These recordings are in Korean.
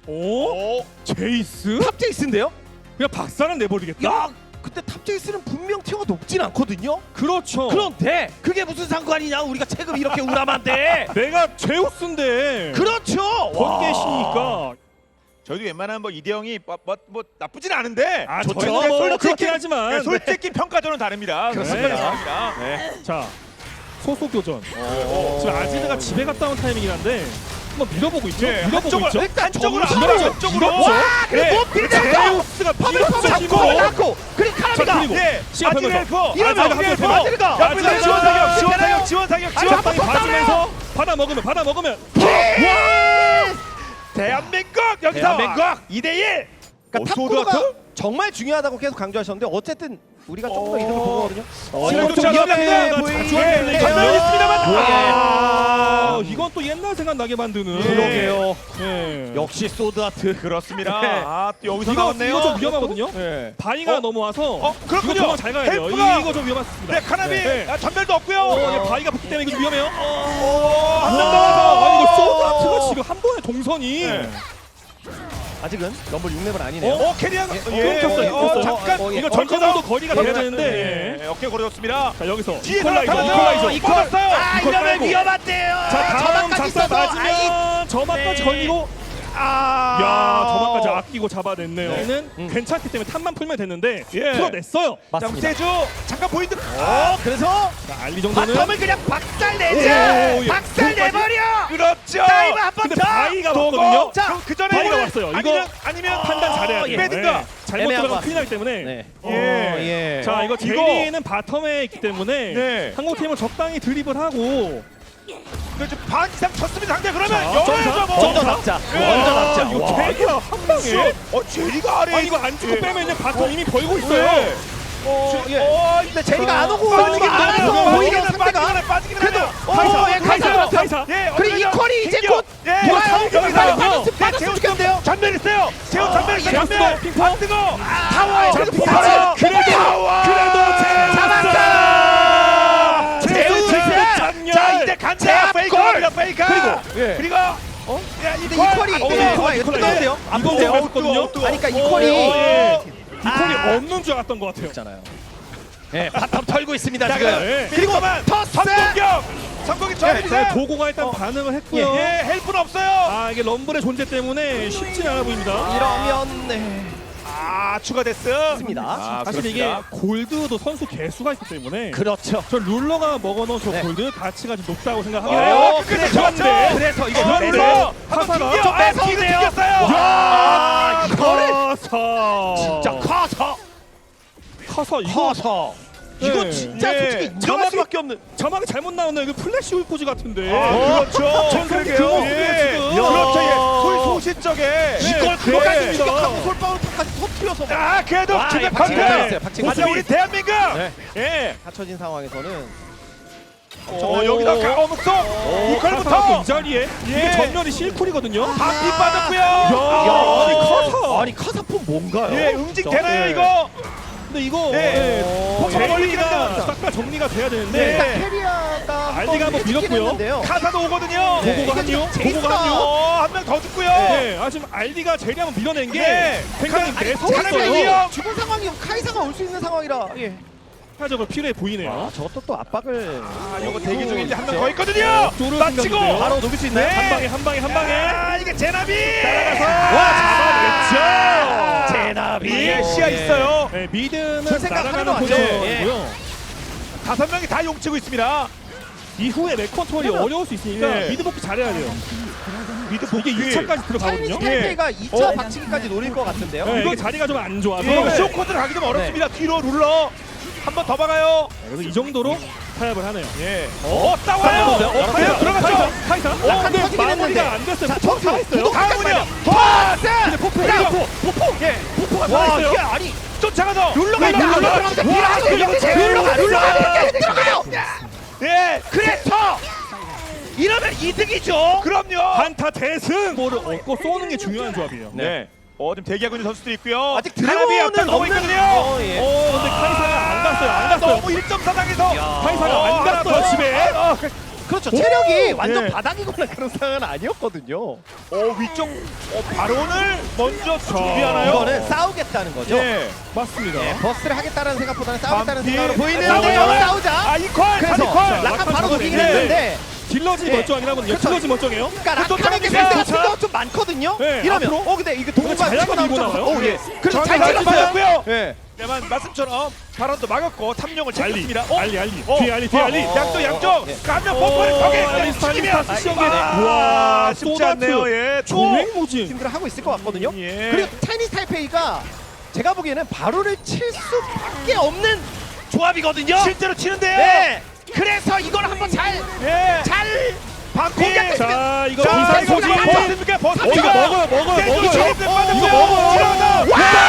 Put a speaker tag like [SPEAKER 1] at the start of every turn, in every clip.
[SPEAKER 1] 오? 제이스?
[SPEAKER 2] 탑 제이스인데요?
[SPEAKER 1] 그냥 박살은 내버리겠다?
[SPEAKER 2] 야, 근데 탑 제이스는 분명 티어가 높진 않거든요.
[SPEAKER 1] 그렇죠.
[SPEAKER 2] 그런데 그게 무슨 상관이냐? 우리가 체급 이렇게 우람한데.
[SPEAKER 1] 내가 제우스인데
[SPEAKER 2] 그렇죠.
[SPEAKER 1] 번개시니까.
[SPEAKER 3] 저희도 웬만하면 뭐 이대영이 뭐 나쁘진 않은데
[SPEAKER 1] 아,
[SPEAKER 2] 좋죠.
[SPEAKER 1] 저희는
[SPEAKER 2] 뭐
[SPEAKER 1] 솔직히
[SPEAKER 2] 그렇긴
[SPEAKER 1] 하지만
[SPEAKER 3] 네, 솔직히 평가전은 다릅니다.
[SPEAKER 1] 그렇습니다.
[SPEAKER 3] 평가전은 다릅니다. 네.
[SPEAKER 1] 자, 소속 교전. 지금 아지드가 집에 갔다 온 타이밍이긴 한데 한번 밀어보고 있죠.
[SPEAKER 3] 네,
[SPEAKER 1] 밀어보고
[SPEAKER 3] 한쪽으로,
[SPEAKER 1] 있죠.
[SPEAKER 3] 한쪽으로
[SPEAKER 1] 정면으로
[SPEAKER 3] 한쪽으로.
[SPEAKER 1] 밀었죠.
[SPEAKER 2] 와, 그래
[SPEAKER 1] 네.
[SPEAKER 2] 못 밀렸어.
[SPEAKER 1] 제우스가 밀었죠.
[SPEAKER 2] 잡고
[SPEAKER 1] 힘으로.
[SPEAKER 2] 잡고. 그리고
[SPEAKER 1] 자,
[SPEAKER 2] 카라비가.
[SPEAKER 1] 그리고
[SPEAKER 3] 예,
[SPEAKER 1] 시간
[SPEAKER 3] 아지르엘프,
[SPEAKER 2] 이러면
[SPEAKER 3] 아지르엘프,
[SPEAKER 2] 아지르가.
[SPEAKER 3] 옆에서
[SPEAKER 1] 아지르가.
[SPEAKER 3] 지원 사격, 지원
[SPEAKER 2] 괜찮아요?
[SPEAKER 3] 사격, 지원 사격,
[SPEAKER 2] 아니,
[SPEAKER 3] 지원
[SPEAKER 2] 한번
[SPEAKER 3] 사격.
[SPEAKER 1] 봐주면서 받아 먹으면
[SPEAKER 3] 대한민국 여기서
[SPEAKER 2] 대한민국
[SPEAKER 3] 2대1.
[SPEAKER 2] 그러니까 탑코가 정말 중요하다고 계속 강조하셨는데 어쨌든 우리가 조금 더 이득을 본 거거든요.
[SPEAKER 3] 지금
[SPEAKER 2] 좀
[SPEAKER 3] 좀
[SPEAKER 2] 위험해
[SPEAKER 1] 위험합니다.
[SPEAKER 2] 보이는데
[SPEAKER 1] 자주 하는 얘기예요.
[SPEAKER 3] 전면이 있습니다만.
[SPEAKER 1] 아, 이건 또 옛날 생각 나게 만드는.
[SPEAKER 2] 그러게요.
[SPEAKER 1] 예.
[SPEAKER 2] 역시 소드 아트.
[SPEAKER 3] 그렇습니다.
[SPEAKER 2] 네.
[SPEAKER 3] 아, 또 여기서
[SPEAKER 1] 이거
[SPEAKER 3] 나왔네요.
[SPEAKER 1] 좀 위험하거든요.
[SPEAKER 3] 네.
[SPEAKER 1] 바위가
[SPEAKER 3] 어?
[SPEAKER 1] 넘어와서
[SPEAKER 3] 그렇군요.
[SPEAKER 1] 이거 도망 잘 가야 돼요.
[SPEAKER 3] 헬프가.
[SPEAKER 1] 이거 좀 위험했습니다.
[SPEAKER 3] 네, 카나비
[SPEAKER 1] 네.
[SPEAKER 3] 아, 전멸도 없고요.
[SPEAKER 1] 바위가 붙기 때문에 이거 좀 위험해요.
[SPEAKER 3] 한명
[SPEAKER 1] 아,
[SPEAKER 3] 나와서.
[SPEAKER 1] 아니 이거 소드아트가 지금 한 번에 동선이
[SPEAKER 3] 네.
[SPEAKER 2] 아직은 럼블 6렙은 아니네요.
[SPEAKER 3] 캐리한
[SPEAKER 1] 끊겼어요.
[SPEAKER 3] 잠깐
[SPEAKER 2] 예.
[SPEAKER 1] 이거 전체적으로 거리가 돼야 되는데.
[SPEAKER 3] 네, 어깨 고려졌습니다.
[SPEAKER 1] 자 여기서
[SPEAKER 3] 뒤에서
[SPEAKER 1] 이퀄라이저.
[SPEAKER 3] 나타나서
[SPEAKER 1] 이퀄라이저.
[SPEAKER 3] 걸었어요.
[SPEAKER 1] 이퀄 깔고.
[SPEAKER 2] 위험한데요.
[SPEAKER 1] 자 다음
[SPEAKER 2] 저만까지
[SPEAKER 1] 작사
[SPEAKER 2] 있어서.
[SPEAKER 1] 맞으면 저만까지
[SPEAKER 2] 네.
[SPEAKER 1] 걸리고.
[SPEAKER 3] 아,
[SPEAKER 1] 야 저만까지 아끼고 잡아냈네요.
[SPEAKER 3] 네.
[SPEAKER 1] 얘는 괜찮기 때문에 탑만 풀면 됐는데
[SPEAKER 3] 예.
[SPEAKER 1] 풀어냈어요.
[SPEAKER 2] 맞습니다.
[SPEAKER 3] 세주 잠깐 보이는.
[SPEAKER 2] 그래서
[SPEAKER 1] 자 알리 정도는.
[SPEAKER 2] 바텀을 그냥 박살
[SPEAKER 1] 오,
[SPEAKER 2] 내자.
[SPEAKER 1] 예.
[SPEAKER 2] 박살 내버려.
[SPEAKER 3] 그렇죠.
[SPEAKER 2] 다이브 한번
[SPEAKER 1] 근데
[SPEAKER 2] 더.
[SPEAKER 1] 바위가 왔거든요.
[SPEAKER 2] 자,
[SPEAKER 3] 그 전에
[SPEAKER 1] 바위가 왔어요. 이거
[SPEAKER 3] 아니면
[SPEAKER 1] 판단 잘해야 돼요.
[SPEAKER 3] 빼든가.
[SPEAKER 1] 네. 잘못
[SPEAKER 2] 애매한
[SPEAKER 1] 들어가면
[SPEAKER 2] 것
[SPEAKER 1] 큰일 나기 때문에.
[SPEAKER 2] 네.
[SPEAKER 3] 예.
[SPEAKER 1] 자 이거
[SPEAKER 3] 이거-
[SPEAKER 1] 제리는 바텀에 있기 때문에
[SPEAKER 3] 네.
[SPEAKER 1] 한국 팀은 적당히 드리블하고.
[SPEAKER 3] 그렇죠. 반 이상 쳤습니다. 상대 그러면
[SPEAKER 1] 자,
[SPEAKER 3] 열어야죠 뭐.
[SPEAKER 2] 먼저 잡자. 먼저 잡자.
[SPEAKER 1] 이거
[SPEAKER 2] 와.
[SPEAKER 1] 제리가 한 방에.
[SPEAKER 3] 제리가 아래.
[SPEAKER 1] 아니 이거 안 주고
[SPEAKER 3] 예.
[SPEAKER 1] 빼면 이제 바텀 이미 벌고 있어요.
[SPEAKER 3] 네.
[SPEAKER 2] 근데 제리가 안 오고
[SPEAKER 3] 빠지기는
[SPEAKER 2] 많아서
[SPEAKER 3] 않아요.
[SPEAKER 2] 오히려 상대가
[SPEAKER 3] 빠지기는
[SPEAKER 2] 그래도
[SPEAKER 3] 않아요.
[SPEAKER 1] 카이사.
[SPEAKER 3] 예,
[SPEAKER 2] 그리고 이퀄이 이제
[SPEAKER 3] 튕겨.
[SPEAKER 2] 곧
[SPEAKER 3] 예,
[SPEAKER 2] 돌아요.
[SPEAKER 3] 여기서
[SPEAKER 2] 빠졌으면 좋겠는데요.
[SPEAKER 3] 전멸 있어요. 재훈 전멸 있어요.
[SPEAKER 1] 제우스도
[SPEAKER 3] 전멸.
[SPEAKER 1] 핑퐁.
[SPEAKER 3] 안 뜨거.
[SPEAKER 2] 타워.
[SPEAKER 1] 자,
[SPEAKER 2] 그래도
[SPEAKER 1] 타워.
[SPEAKER 2] 그래도 잡았다.
[SPEAKER 1] 제우스
[SPEAKER 2] 제우스.
[SPEAKER 3] 자, 이제 간다. 페이커입니다. 페이커. 그리고 야,
[SPEAKER 2] 근데 이퀄이 뜨거운데요? 안
[SPEAKER 1] 이거
[SPEAKER 2] 본데요?
[SPEAKER 1] 뺐거든요.
[SPEAKER 2] 아니 그러니까 이퀄이
[SPEAKER 1] 이퀄이 없는 줄 알았던 것 같아요.
[SPEAKER 2] 있잖아요. 네, 바텀 털고 있습니다
[SPEAKER 3] 자,
[SPEAKER 2] 지금.
[SPEAKER 1] 네.
[SPEAKER 3] 그리고만
[SPEAKER 2] 토스.
[SPEAKER 3] 성공격. 성공이 저입니다.
[SPEAKER 1] 도고가 일단 반응을 했고요.
[SPEAKER 3] 예, 헬프는 없어요.
[SPEAKER 1] 아 이게 럼블의 존재 때문에 쉽지 않아 보입니다.
[SPEAKER 2] 이러면 네.
[SPEAKER 3] 아, 추가됐어.
[SPEAKER 2] 습니다.
[SPEAKER 1] 사실 이게 골드도 선수 개수가 있기 때문에
[SPEAKER 2] 그렇죠.
[SPEAKER 1] 저 룰러가 먹어놓은 저
[SPEAKER 2] 네.
[SPEAKER 1] 골드 가치가 좀 높다고 생각하긴
[SPEAKER 3] 어,
[SPEAKER 1] 해요.
[SPEAKER 3] 끝까지
[SPEAKER 1] 그런데
[SPEAKER 3] 좋았죠.
[SPEAKER 2] 그래서 이거
[SPEAKER 1] 그런데
[SPEAKER 3] 룰러
[SPEAKER 1] 카사가
[SPEAKER 3] 좀 뺏어오네요.
[SPEAKER 2] 야, 이거를
[SPEAKER 1] 커서
[SPEAKER 2] 진짜 커서
[SPEAKER 1] 커서 이거
[SPEAKER 2] 커서 이거
[SPEAKER 1] 네.
[SPEAKER 2] 진짜
[SPEAKER 3] 네.
[SPEAKER 2] 솔직히 인정할 수밖에 없는.
[SPEAKER 1] 자막이 잘못 나오네요. 이거 플래시 울포즈 같은데.
[SPEAKER 3] 그렇죠.
[SPEAKER 1] 전성기
[SPEAKER 3] 그러게요.
[SPEAKER 1] 그거
[SPEAKER 3] 예.
[SPEAKER 1] 지금.
[SPEAKER 3] 그렇죠. 예. 소시적에
[SPEAKER 2] 이걸
[SPEAKER 1] 네.
[SPEAKER 2] 그거까지
[SPEAKER 1] 네.
[SPEAKER 2] 생각하고 솔방울까지 터뜨려서
[SPEAKER 3] 아, 그래도
[SPEAKER 2] 와,
[SPEAKER 3] 주변
[SPEAKER 2] 예, 박진감
[SPEAKER 3] 컨트롤.
[SPEAKER 2] 나왔어요, 박진감.
[SPEAKER 3] 하지만 우리 대한민국.
[SPEAKER 2] 네.
[SPEAKER 3] 예.
[SPEAKER 2] 갖춰진 상황에서는
[SPEAKER 3] 여기다 어묵소
[SPEAKER 1] 이
[SPEAKER 3] 이퀄부터
[SPEAKER 1] 이 자리에 이게 전면이 실쿨이거든요.
[SPEAKER 3] 한피 빠졌고요.
[SPEAKER 1] 야, 아니 커서.
[SPEAKER 2] 아니 카사폰 뭔가요?
[SPEAKER 3] 예, 응징 되나요
[SPEAKER 1] 네.
[SPEAKER 3] 이거?
[SPEAKER 1] 근데 이거
[SPEAKER 3] 네.
[SPEAKER 1] 제리가
[SPEAKER 3] 걸리긴 합니다.
[SPEAKER 1] 싹 다 정리가 돼야
[SPEAKER 3] 네.
[SPEAKER 1] 되는데
[SPEAKER 2] 일단 캐리아가
[SPEAKER 1] 알리가 한번 밀었고요.
[SPEAKER 3] 카사도 오거든요.
[SPEAKER 2] 네.
[SPEAKER 1] 보고가
[SPEAKER 2] 이게
[SPEAKER 1] 한요.
[SPEAKER 2] 지금
[SPEAKER 1] 보고가 한요.
[SPEAKER 3] 한 명 더 죽고요.
[SPEAKER 1] 네, 아 지금 알리가 제리 한번 밀어낸 게
[SPEAKER 3] 네.
[SPEAKER 1] 굉장히
[SPEAKER 3] 아니,
[SPEAKER 1] 매서웠어요.
[SPEAKER 3] 사람이
[SPEAKER 2] 죽은 상황이 카이사가 올 수 있는 상황이라. 예.
[SPEAKER 1] 사적으로 필요해 보이네요.
[SPEAKER 2] 저것도 또 압박을.
[SPEAKER 3] 아, 이거 대기 중인데 한 명 더 있거든요.
[SPEAKER 1] 쪼르
[SPEAKER 3] 맞히고
[SPEAKER 1] 생각인데요.
[SPEAKER 2] 바로 녹일 수 있나요?
[SPEAKER 3] 네.
[SPEAKER 1] 한 방에.
[SPEAKER 3] 아, 이게 제나비.
[SPEAKER 1] 와 잡아냈죠.
[SPEAKER 2] 제나비.
[SPEAKER 3] 예, 시야 있어요.
[SPEAKER 1] 네, 미드는
[SPEAKER 2] 저 생각
[SPEAKER 1] 날아가는
[SPEAKER 2] 하나도 안 해요.
[SPEAKER 1] 포지션이고요.
[SPEAKER 3] 5명이 다 용치고 있습니다.
[SPEAKER 1] 이후에 렉 컨트롤이
[SPEAKER 2] 그러면-
[SPEAKER 1] 어려울 수 있으니까
[SPEAKER 3] 예.
[SPEAKER 1] 미드 복귀 잘해야 돼요.
[SPEAKER 3] 미드
[SPEAKER 1] 이게 2차까지 들어가거든요.
[SPEAKER 2] 찰리 탈퇴가 2차 박치기까지 노릴 것 같은데요.
[SPEAKER 1] 네,
[SPEAKER 2] 이거
[SPEAKER 1] 이게 자리가 좀 안 좋아서
[SPEAKER 3] 이거
[SPEAKER 2] 네.
[SPEAKER 3] 쇼코드를 가기 좀 어렵습니다. 뒤로 룰러 한 번 더 박아요.
[SPEAKER 1] 그래서 이 정도로 타협을 하네요.
[SPEAKER 3] 예. 싸워요. 과연 들어갔죠.
[SPEAKER 1] 카이사.
[SPEAKER 2] 약간
[SPEAKER 1] 근데
[SPEAKER 2] 터지긴
[SPEAKER 1] 마무리가
[SPEAKER 2] 했는데.
[SPEAKER 1] 안 됐어요.
[SPEAKER 2] 자,
[SPEAKER 1] 포토
[SPEAKER 2] 저기요.
[SPEAKER 1] 살아있어요.
[SPEAKER 2] 구독
[SPEAKER 3] 다음은요.
[SPEAKER 1] 근데 포포.
[SPEAKER 3] 예.
[SPEAKER 1] 포포가
[SPEAKER 2] 와,
[SPEAKER 1] 살아있어요.
[SPEAKER 2] 이게 아니
[SPEAKER 3] 쫓아가서
[SPEAKER 2] 룰러가 있다.
[SPEAKER 3] 룰러.
[SPEAKER 2] 룰러가 들어가요.
[SPEAKER 3] 예.
[SPEAKER 2] 그래서 이러면 이득이죠.
[SPEAKER 3] 그럼요.
[SPEAKER 1] 한타 대승. 볼을 얻고 쏘는 게 중요한 조합이에요.
[SPEAKER 3] 네. 지금 대기하고 있는 선수도 있고요.
[SPEAKER 2] 아직
[SPEAKER 3] 카나비 앞에
[SPEAKER 2] 드래곤은
[SPEAKER 3] 너무
[SPEAKER 2] 없는.
[SPEAKER 3] 있거든요.
[SPEAKER 2] 예.
[SPEAKER 1] 근데 카이사가 안 갔어요. 안 갔어요.
[SPEAKER 3] 너무 1.4 당해서
[SPEAKER 1] 카이사가 안 갔어요 집에.
[SPEAKER 2] 그렇죠. 체력이
[SPEAKER 1] 오!
[SPEAKER 2] 완전
[SPEAKER 1] 예.
[SPEAKER 2] 바닥이거나 그런 상황은 아니었거든요.
[SPEAKER 3] 위쪽 바론을 먼저 준비하나요?
[SPEAKER 2] 이거는 싸우겠다는 거죠.
[SPEAKER 3] 예.
[SPEAKER 1] 맞습니다.
[SPEAKER 2] 예, 버스를 하겠다는 생각보다는 싸우겠다는
[SPEAKER 3] 반피.
[SPEAKER 2] 생각으로 보이는데요.
[SPEAKER 3] 싸워요.
[SPEAKER 2] 싸우자.
[SPEAKER 3] 아 이퀄
[SPEAKER 2] 그래서
[SPEAKER 3] 이퀄
[SPEAKER 2] 라칸 바로 녹이긴
[SPEAKER 1] 네.
[SPEAKER 2] 했는데
[SPEAKER 1] 딜러진이
[SPEAKER 2] 예.
[SPEAKER 1] 멀쩡하긴 하거든요.
[SPEAKER 2] 그렇죠.
[SPEAKER 1] 딜러진 멀쩡해요.
[SPEAKER 2] 그러니까
[SPEAKER 3] 그것도
[SPEAKER 2] 라칸에게
[SPEAKER 3] 탑니다.
[SPEAKER 2] 상대가 좀 많거든요.
[SPEAKER 1] 네,
[SPEAKER 2] 이러면
[SPEAKER 1] 앞으로?
[SPEAKER 2] 근데 이게 동호가
[SPEAKER 1] 자야가
[SPEAKER 2] 치고
[SPEAKER 1] 밀고
[SPEAKER 2] 나오죠.
[SPEAKER 1] 나와요.
[SPEAKER 2] 예. 그래서 잘
[SPEAKER 3] 잘
[SPEAKER 2] 찍었어요.
[SPEAKER 3] 맞았고요.
[SPEAKER 2] 예.
[SPEAKER 3] 하지만 말씀처럼 바론도 막았고 탐령을
[SPEAKER 1] 알리,
[SPEAKER 3] 챙겼습니다.
[SPEAKER 1] 알리. 뒤에 알리, 뒤에 알리.
[SPEAKER 3] 양쪽 양쪽.
[SPEAKER 2] 예.
[SPEAKER 3] 가면 뽀뽀를 거기에
[SPEAKER 1] 알리스타,
[SPEAKER 3] 죽이면
[SPEAKER 1] 알리스타, 시험계.
[SPEAKER 3] 와 쉽지
[SPEAKER 1] 소다트.
[SPEAKER 3] 않네요. 예.
[SPEAKER 1] 조맹무진.
[SPEAKER 2] 팀들을 하고 있을 것 같거든요.
[SPEAKER 3] 예.
[SPEAKER 2] 그리고 차이니스 타이페이가 제가 보기에는 바로를 칠 수밖에 없는 조합이거든요.
[SPEAKER 3] 실제로 치는데요.
[SPEAKER 2] 네. 그래서 이걸 한번 잘
[SPEAKER 3] 예.
[SPEAKER 2] 반피.
[SPEAKER 1] 자, 이거
[SPEAKER 3] 자,
[SPEAKER 1] 비상
[SPEAKER 3] 이거
[SPEAKER 1] 소지.
[SPEAKER 3] 버스입니까? 버스.
[SPEAKER 1] 이거 먹어요.
[SPEAKER 3] 이거
[SPEAKER 1] 먹어요.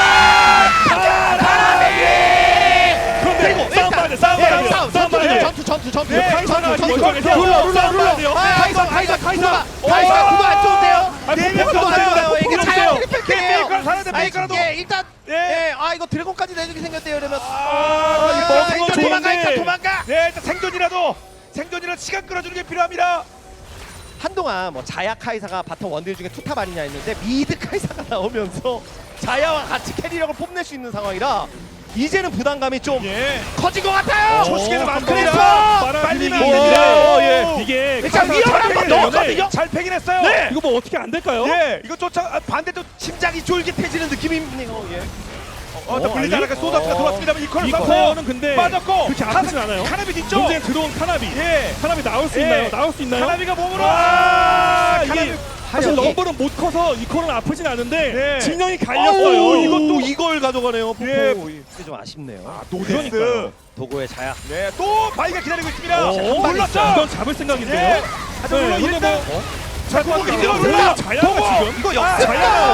[SPEAKER 2] 그리고
[SPEAKER 1] 싸움 봐야 돼, 싸움 봐야 돼.
[SPEAKER 2] 싸움
[SPEAKER 1] 싸움 봐야 돼.
[SPEAKER 2] 전투.
[SPEAKER 3] 네,
[SPEAKER 1] 카이사는
[SPEAKER 3] 전투.
[SPEAKER 1] 룰러.
[SPEAKER 2] 카이사 구도 안 좋은데요.
[SPEAKER 3] 네,
[SPEAKER 2] 구도 안 좋아요. 이게 자연
[SPEAKER 3] 네,
[SPEAKER 2] 트리플이에요.
[SPEAKER 3] 메이커 살아야 돼, 메이커라도.
[SPEAKER 2] 일단
[SPEAKER 3] 예.
[SPEAKER 2] 이거 드래곤까지 내주게 생겼대요. 이러면
[SPEAKER 1] 이거 먹은 건 좋은데.
[SPEAKER 2] 도망가.
[SPEAKER 3] 네, 일단 생존이라도 시간 끌어주는 게 필요합니다.
[SPEAKER 2] 한동안 뭐 자야 카이사가 바텀 원딜 중에 투탑 아니냐 했는데 미드 카이사가 나오면서 자야와 같이 캐리력을 뽐낼 수 있는 상황이라 이제는 부담감이 좀
[SPEAKER 3] 예.
[SPEAKER 2] 커진 것 같아요.
[SPEAKER 3] 조식에서
[SPEAKER 2] 그래서
[SPEAKER 3] 만듭니다. 빨리면 안
[SPEAKER 1] 오,
[SPEAKER 3] 됩니다.
[SPEAKER 1] 예. 이게
[SPEAKER 2] 일단 위험한 건 넣었거든요.
[SPEAKER 3] 잘 패긴 했어요.
[SPEAKER 2] 네.
[SPEAKER 1] 이거 뭐 어떻게 안 될까요?
[SPEAKER 3] 예, 이거 쫓아 반대도
[SPEAKER 2] 심장이 쫄깃해지는 느낌이네요. 예.
[SPEAKER 3] 물리지 않을까 소다트가 들어왔습니다만 이퀄을
[SPEAKER 1] 이거는 근데
[SPEAKER 3] 빠졌고
[SPEAKER 1] 그렇게 아프진 않아요.
[SPEAKER 3] 카나비 뒤쪽.
[SPEAKER 1] 문제는 들어온 카나비.
[SPEAKER 3] 예.
[SPEAKER 1] 카나비 나올 수
[SPEAKER 3] 예.
[SPEAKER 1] 있나요? 나올 수 있나요?
[SPEAKER 3] 카나비가 몸으로
[SPEAKER 1] 이게
[SPEAKER 3] 카나비
[SPEAKER 1] 사실
[SPEAKER 2] 여기.
[SPEAKER 1] 럼블은 못 커서 이코는 아프진 않은데
[SPEAKER 3] 네.
[SPEAKER 1] 진영이 갈렸어요.
[SPEAKER 2] 어우,
[SPEAKER 1] 이것도
[SPEAKER 2] 이걸 가져가네요.
[SPEAKER 3] 예.
[SPEAKER 2] 이게 좀 아쉽네요.
[SPEAKER 3] 노데스.
[SPEAKER 2] 도고의 자야.
[SPEAKER 3] 네, 또 바위가 기다리고 있습니다.
[SPEAKER 2] 방
[SPEAKER 3] 몰랐어.
[SPEAKER 1] 이건 잡을 생각인데요.
[SPEAKER 3] 예. 하지만 물론
[SPEAKER 1] 근데
[SPEAKER 3] 일단
[SPEAKER 1] 뭐
[SPEAKER 3] 자,
[SPEAKER 1] 이거
[SPEAKER 3] 이거
[SPEAKER 1] 뭐야,
[SPEAKER 3] 몰라.
[SPEAKER 1] 자야가
[SPEAKER 3] 도고.
[SPEAKER 1] 지금?
[SPEAKER 2] 이거
[SPEAKER 3] 아,
[SPEAKER 2] 역습.
[SPEAKER 1] 자야가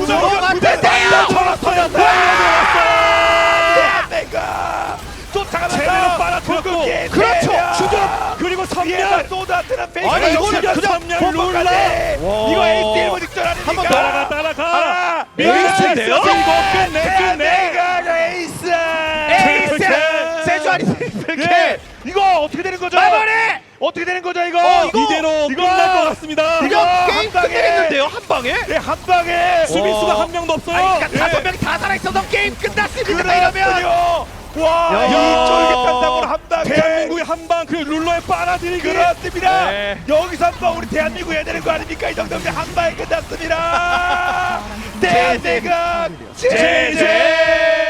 [SPEAKER 3] 내가 쫓아가면서
[SPEAKER 1] 제대로 빨아들였고.
[SPEAKER 2] 그렇죠.
[SPEAKER 1] 주전 그리고 선멸.
[SPEAKER 3] 쏟아뜨는 페이크.
[SPEAKER 2] 아니, 이거는 그냥
[SPEAKER 1] 선멸 룰라.
[SPEAKER 3] 이거 에이스 1번 직전 아닙니까?
[SPEAKER 2] 한번
[SPEAKER 1] 따라가.
[SPEAKER 2] 에이스인데요?
[SPEAKER 1] 이거 끝내.
[SPEAKER 3] 내가 에이스.
[SPEAKER 2] 에이스. 세주아리
[SPEAKER 3] 예. 이거 어떻게 되는 거죠?
[SPEAKER 2] 마무리.
[SPEAKER 3] 어떻게 되는 거죠 이거?
[SPEAKER 1] 이대로
[SPEAKER 3] 이거-
[SPEAKER 1] 끝날 것 같습니다.
[SPEAKER 2] 이거
[SPEAKER 3] 한
[SPEAKER 2] 게임
[SPEAKER 3] 방에.
[SPEAKER 2] 끝내겠는데요. 한 방에.
[SPEAKER 3] 네, 한 방에
[SPEAKER 1] 수비수가 한 명도 없어요.
[SPEAKER 2] 그러니까
[SPEAKER 3] 예.
[SPEAKER 2] 5명이 다 살아있어서 게임 끝났습니다. 이러면
[SPEAKER 3] 그러면 와,
[SPEAKER 2] 야.
[SPEAKER 3] 이 쫄깃한 사고로 한 방에
[SPEAKER 1] 대한민국의 한방 그 룰러에 빨아들이기.
[SPEAKER 3] 그렇습니다.
[SPEAKER 2] 네.
[SPEAKER 3] 여기서 한 방 우리 대한민국 해야 되는 거 아닙니까? 이 정도면 한 방에 끝났습니다. 대한민국 제제.